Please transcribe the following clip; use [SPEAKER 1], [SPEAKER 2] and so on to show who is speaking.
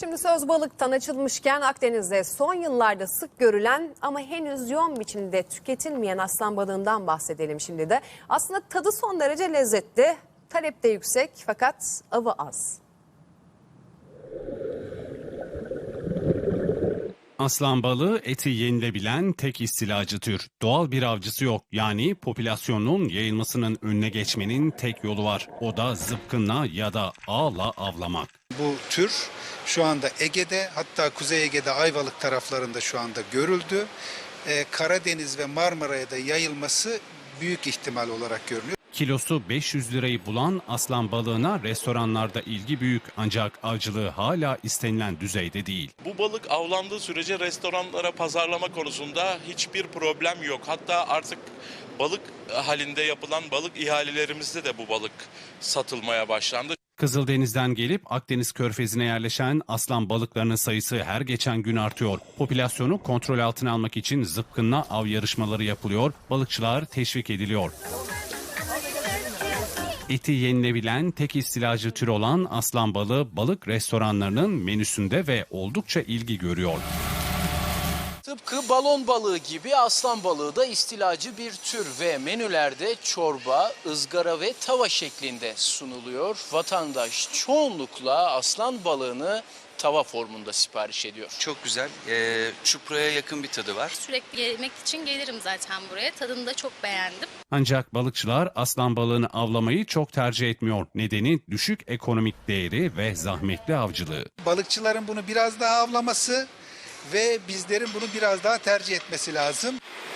[SPEAKER 1] Şimdi söz balıktan açılmışken Akdeniz'de son yıllarda sık görülen ama henüz yoğun biçimde tüketilmeyen aslan balığından bahsedelim şimdi de. Aslında tadı son derece lezzetli, talep de yüksek fakat avı az.
[SPEAKER 2] Aslan balığı eti yenilebilen tek istilacı tür. Doğal bir avcısı yok. Yani popülasyonun yayılmasının önüne geçmenin tek yolu var. O da zıpkınla ya da ağla avlamak.
[SPEAKER 3] Bu tür şu anda Ege'de, hatta Kuzey Ege'de Ayvalık taraflarında şu anda görüldü. Karadeniz ve Marmara'ya da yayılması büyük ihtimal olarak görünüyor.
[SPEAKER 2] Kilosu 500 lirayı bulan aslan balığına restoranlarda ilgi büyük, ancak avcılığı hala istenilen düzeyde değil.
[SPEAKER 4] Bu balık avlandığı sürece restoranlara pazarlama konusunda hiçbir problem yok. Hatta artık balık halinde yapılan balık ihalelerimizde de bu balık satılmaya başlandı.
[SPEAKER 2] Kızıldeniz'den gelip Akdeniz Körfezi'ne yerleşen aslan balıklarının sayısı her geçen gün artıyor. Popülasyonu kontrol altına almak için zıpkınla av yarışmaları yapılıyor, balıkçılar teşvik ediliyor. Eti yenilebilen tek istilacı tür olan aslan balığı balık restoranlarının menüsünde ve oldukça ilgi görüyor.
[SPEAKER 5] Tıpkı balon balığı gibi aslan balığı da istilacı bir tür ve menülerde çorba, ızgara ve tava şeklinde sunuluyor. Vatandaş çoğunlukla aslan balığını tava formunda sipariş ediyor.
[SPEAKER 6] Çok güzel. Çupraya yakın bir tadı var.
[SPEAKER 7] Sürekli yemek için gelirim zaten buraya. Tadını da çok beğendim.
[SPEAKER 2] Ancak balıkçılar aslan balığını avlamayı çok tercih etmiyor. Nedeni düşük ekonomik değeri ve zahmetli avcılığı.
[SPEAKER 3] Balıkçıların bunu biraz daha avlaması ve bizlerin bunu biraz daha tercih etmesi lazım.